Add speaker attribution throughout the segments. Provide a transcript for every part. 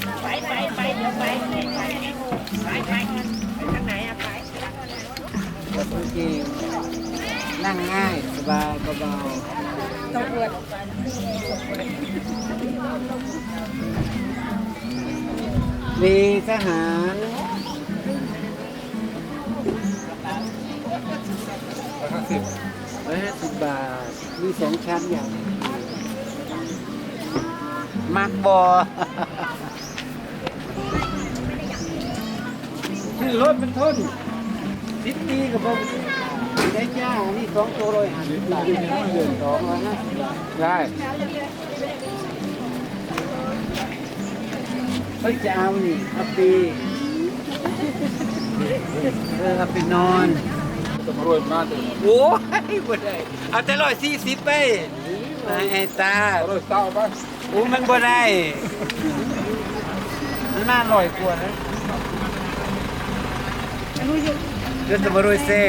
Speaker 1: ไปเดี๋ยวไปทางไหนอะไป
Speaker 2: โอเคนั่งง่ายสบายเบาๆ
Speaker 1: ต้องอวด
Speaker 2: มีทหาร150 บาทมี2 ชั้นอย่างมักบอชื่อรถมันทน10 ปีกับผมได้จ้านี่2 ตัว150 บาทเดือน250 บาทได้เฮ้ยจะเอานี่เอาปีเอาไปนอน
Speaker 3: ต้องรวยมากเลย
Speaker 2: โอ้ยบ่ได้เอาแต่140ไปไอ้ตาร
Speaker 3: วยเศร้าป่ะ
Speaker 2: โอ้มันบ่ได้มันน่าอร่อยกว่านะเดี๋ยวจะมารวยเซ่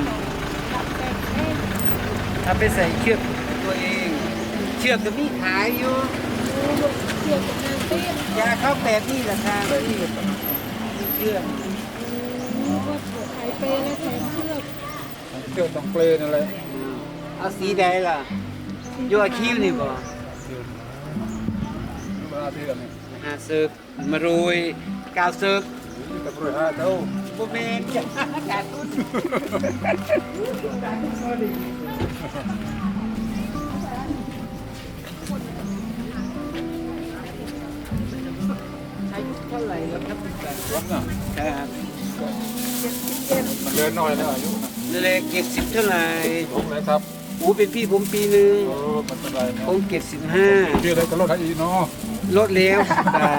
Speaker 2: ถ้าไปใส่เชือกตัวเองเชือกก็มีขายอยู่ยาเข้าแบบนี้ราคาที่เชือก
Speaker 1: ไข่เปย์และแถมเชือก
Speaker 3: เที่ยวต้องเปลนอะไร
Speaker 2: เอาสีใดล่ะอยู่อาคิวนี่บ่
Speaker 3: เวลาเที่ยวนี่
Speaker 2: ซึกมารวย9 ซึก
Speaker 3: ต้องรวย5 เท่า
Speaker 2: บ่แม่นจ้ะขาดทุนอายุเท่าไหร่แล้วครับคุณตา
Speaker 3: ผมน่ะ
Speaker 2: ครับ
Speaker 3: มันเดินน้อยแล้วอายุนะ
Speaker 2: เลข70เท่าไหร่
Speaker 3: ผมเลยครับ
Speaker 2: อู้เป็นพี่ผมปีหนึง
Speaker 3: มันเป็นไรนะ
Speaker 2: ผม75
Speaker 3: ชื่ออะไรก็รถไถอีเนาะ
Speaker 2: ลดแล้วตา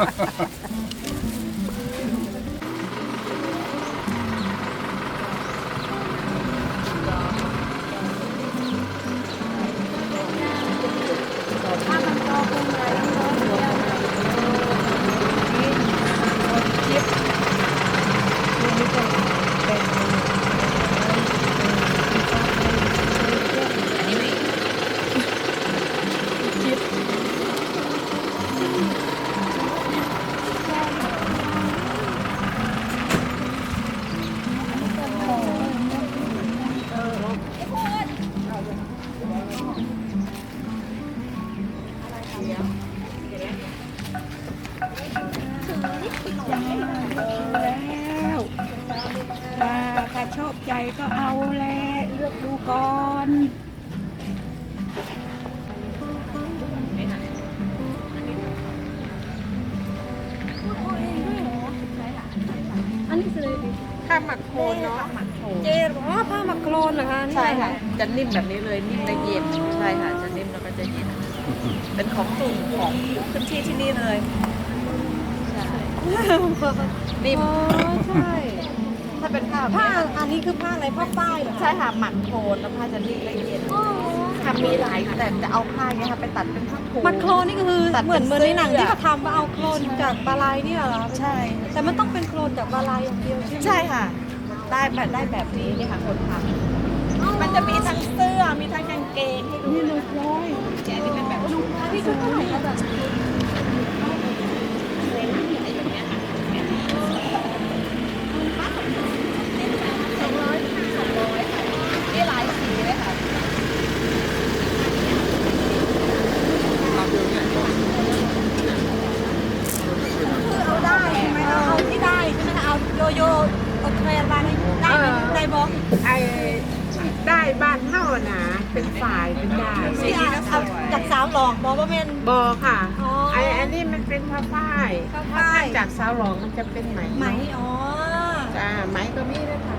Speaker 1: แล้วถ้าชอบใจก็เอาแหละเลือกดูก่อนอันนี้คือผ้าหมักโคลนเนาะเจลอ๋อผ้าหมักโคลนเหรอคะนี่
Speaker 4: ใช่ค่ะ จะนิ่มแบบนี้เลยนิ่มและเย็นใช่ค่ะ จะนิ่มแล้วก็จะเย็น เป็นของกลุ่มของพื้นที่ที่นี่เลยใช่นิ่ม
Speaker 1: อ๋อใช่
Speaker 4: ถ้าเป็นผ้า
Speaker 1: ผ้าอันนี้คือผ้าอะไรผ้าฝ้ายเหรอ
Speaker 4: ใช่ค่ะหมักโคลนแล้วผ้าจะนิ่มและเย็น
Speaker 1: อ๋อ
Speaker 4: ค่ะมีหลายแต่จะเอาผ้าเนี้ยค่ะไปตัดเป็นผ้าโคลน
Speaker 1: มันโคลนนี่ก็คือ
Speaker 4: ตัด
Speaker 1: เห
Speaker 4: เป็น
Speaker 1: มือนในหนัง
Speaker 4: เสื้อ
Speaker 1: ที่เขาทำว่าเอาโคลนจากบาลายเนี่ยเหรอ
Speaker 4: ใช่
Speaker 1: แต่มันต้องเป็นโคลนจากบาลายอย่างเดียวใช่ไหม
Speaker 4: ใช่ค่ะ ได้แบบนี้เนี่ยค่ะคนทำมันจะมีทั้งเสื้อมีทั้งกางเกงให้ดู
Speaker 1: นี่เลยร้อย
Speaker 4: แกนี่เป็นแบบชุด
Speaker 1: อันนี้คือเท่าไหร่คะแบบ
Speaker 4: อะไรแบบเนี้ยค่ะนี่หลายสีเลยค่ะ
Speaker 1: คือเอาได้ใช่ไหมเอาที่ได้ใช่ไหมคะเอาโยโย่เอาแทรนมาได้ไหมได้บอก
Speaker 5: ไอ้ได้บ้านเท่านะเป็นฝ่ายเป็นได้
Speaker 1: ที่เอาจากสาวหลอกบอกว่าแม่น
Speaker 5: บอค่ะ
Speaker 1: อ๋อ
Speaker 5: อันนี้มันเป็นผ้าฝ้าย
Speaker 1: ผ้าฝ้าย
Speaker 5: ถ้จากสาวหลองมันจะเป็นไหม
Speaker 1: ไหมอ๋อ
Speaker 5: จ้าไหมก็มีด้วยค่ะ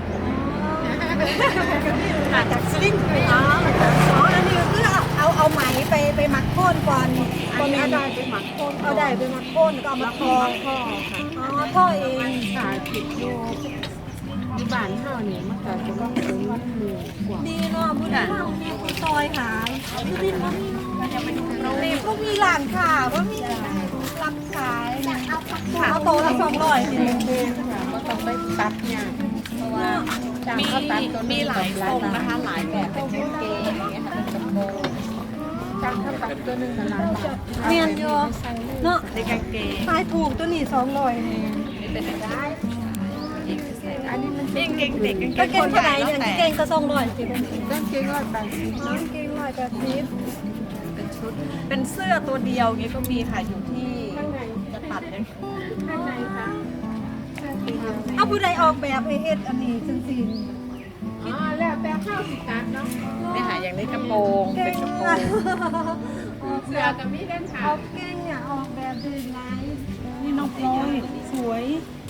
Speaker 1: มาจากสลิงอ๋ออันนี้คือเอาไหมไปหมักโค่นก่อน
Speaker 5: อันนี้เอาได้ไปหมักโคน
Speaker 1: เอาได้ไปหมักโค่นก็เอามาทอ
Speaker 5: พ่อค่ะ
Speaker 1: อ๋อท่อเอง
Speaker 5: สายผิดอยู่ที่บ้านเท่านี่มันก็จะต้องเป็นมันหมูกว่า
Speaker 1: ดีเนาะบุญธรรมมีคุณซอยขายดูดิเขามีนี่พวกมีร้านค่ะว่ามีรับขายเอาโตละ200สิ
Speaker 5: ก็ต้องไปตัดเนี่ยเพราะว่าจ้าง
Speaker 4: มี
Speaker 5: เขาตัดตัว
Speaker 4: มี
Speaker 5: นี้
Speaker 4: หลายทรงนะคะ หลายแบบเป็นกางเกงอย่างเงี้ยค่ะเป็นกระโปรง
Speaker 5: จ้างถ้าปักตัวหนึ่งกับล้านบาท
Speaker 1: เมียนโยเนาะ
Speaker 4: ในกางเกง
Speaker 1: ขายถูกตัวนี้200นี่
Speaker 4: นี่เป็นได้
Speaker 5: อันนี้มัน
Speaker 4: กางเกงเด็กกาง
Speaker 1: กาง
Speaker 4: เก
Speaker 1: เก
Speaker 4: ง
Speaker 1: ง
Speaker 4: คน
Speaker 1: เท่า
Speaker 4: ให
Speaker 1: ไห
Speaker 4: ญ่
Speaker 1: ร่
Speaker 4: แล้
Speaker 1: เนี่
Speaker 4: วย แต่
Speaker 1: กางเกงก็200สิเป็น
Speaker 5: กางเกง180
Speaker 1: กางเกง180
Speaker 4: เป็นชุดเป็นเสื้อตัวเดียวนี้ก็มีค่ะอยู่ที่จะตัดเนี่ย
Speaker 5: ข้างในค่ะเสื้อสีเดียว
Speaker 1: เอาผู้ใดออกแบบไอ้เฮ็ดอันนี้จังซี่
Speaker 5: อ๋อแล้วแต่ข้าวสิการเนาะ
Speaker 4: นี่ค่ะอย่างนี้กระโปรง
Speaker 1: เก่
Speaker 4: เป็น
Speaker 1: ง
Speaker 4: กระโปร
Speaker 1: อ่ะ
Speaker 4: ง
Speaker 5: เสื้อกับมีเด่นค่ะ
Speaker 1: ออกเก่งอ่ะออกแบบดีไลน์นี่น้องพลอยสวย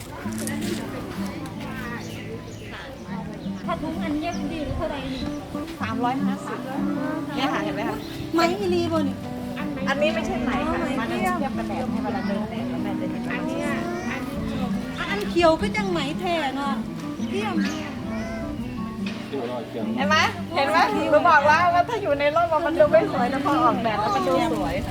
Speaker 1: ถ้าถุงอันเย็บดีเท่าไหร่นี่
Speaker 4: 350เนี่ยค่ะเห็นไหมคะ
Speaker 1: ไหมอีลีบ่นี่
Speaker 4: อันนี้ไม่ใช่ไหมค่ะมันเทียบกันแดดให้เวลาเดินแดดแล้วแม่จะเห็น
Speaker 5: อันเนี้ยอันนี้
Speaker 1: อันเขียวก็จังไหมแท้เนาะเยี่ยม
Speaker 4: เห็นไหมเห็นไหมหนูบอกแล้วว่าถ้าอยู่ในร่มมันดูไม่สวยแต่พอออกแดดแล้วมันดูสวยค่ะ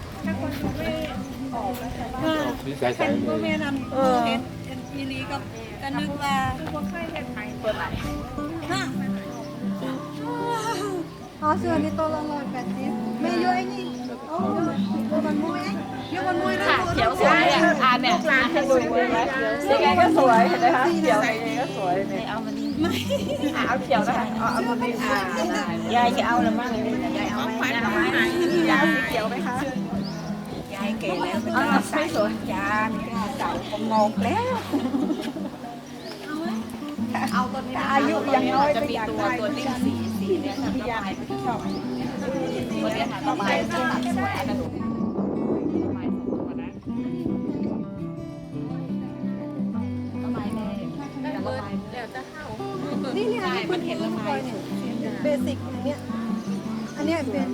Speaker 3: นี่ใส่
Speaker 1: เป็น
Speaker 3: เล
Speaker 1: บ่
Speaker 3: ย
Speaker 1: แม่นอันเฮ็ดอีลีกับกันนึกว่า
Speaker 5: บ่เคยเห็นไหม
Speaker 4: เปิดไหน
Speaker 1: ฮะอ๋อเสื้อนี่ตัวละ180ไม่เยอะไอ้นี่โอ้ยมันมุ้ยเยอะมันมุ้ยนะ
Speaker 4: ค่ะเขียวสวยเนี่ยเนี่ยให้ดูดีไหมยังไงก็สวยเห็นไหมคะเขียวยังไงก็สวยเนี่ยเอามานี่เอาเขียวนะคะเอาตัวนี้ยายจะเอาหรือไม่ยายเอาไหมยายเอาไหมยายสีเขียวไหมคะยายเก๋แล้วไม่สวยยาไม่กล้าใส่ผมงงแล้วเอาตัวนี้อายุยังน้อยจะมีตัวดิ้นสีเนี่ยทำยายไม่ชอบตัวนี้ค่ะต่อไปจะตัดสวยอันนั้น
Speaker 1: นี่เนี่ยมันเห็นละไม้เบสิกอย่างเงี้ยอันเนี้ยเป็น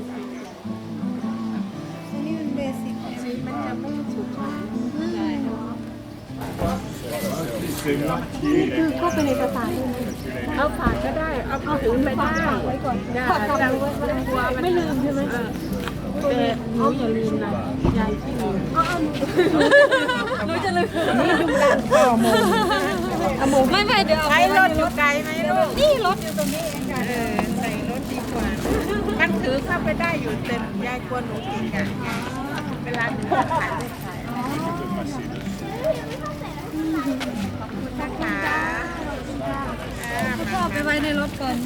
Speaker 1: อันนี้เป็นเบสิก
Speaker 5: สีมันจะไม่สุดหวาน
Speaker 1: คือเข้าไปในกระสาน
Speaker 5: เอาฝากก็ได้ เอาถือไปได้
Speaker 1: ไว้ก่อน
Speaker 5: ได้
Speaker 1: ฝากกลับ
Speaker 5: จัง
Speaker 1: ไว้ก็ได้
Speaker 5: กลัวมัน
Speaker 1: ไม่ลืมใช่ไหม
Speaker 5: แต่หนูอย่าลืมนะยายที่ลืม
Speaker 1: หนูจะลืม
Speaker 5: นี่ดูด้านข้าวโมง
Speaker 1: ไม่เดี๋ยว
Speaker 5: ใช้รถอยู่ไกลไหมลูก
Speaker 1: นี่รถอยู่ตรงนี้เองค่ะ
Speaker 5: ใส่รถดีกว่ามันถือเข้าไปได้อยู่เต็มยายกลัวหนูติดกันเวลาหนูถ่ายรูปถ่ายนะคะ
Speaker 1: ชอบไปไว้ในรถก่อน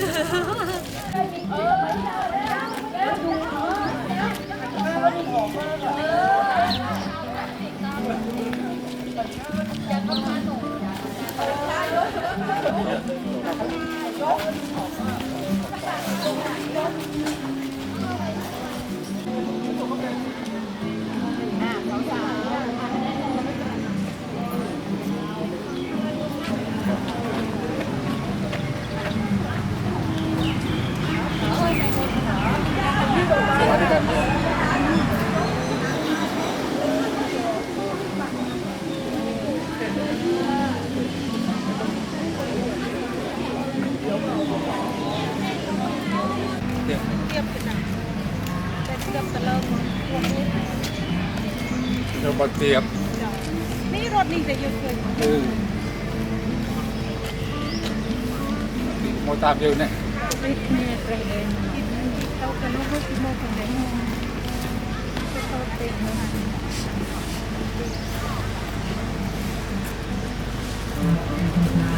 Speaker 3: เราบดเตียบ
Speaker 1: นี่รถนี่จะอยู่เกิน
Speaker 3: โมตามเดียวเนี่ย
Speaker 1: เรากันลูกที่โมกันเลย
Speaker 3: เ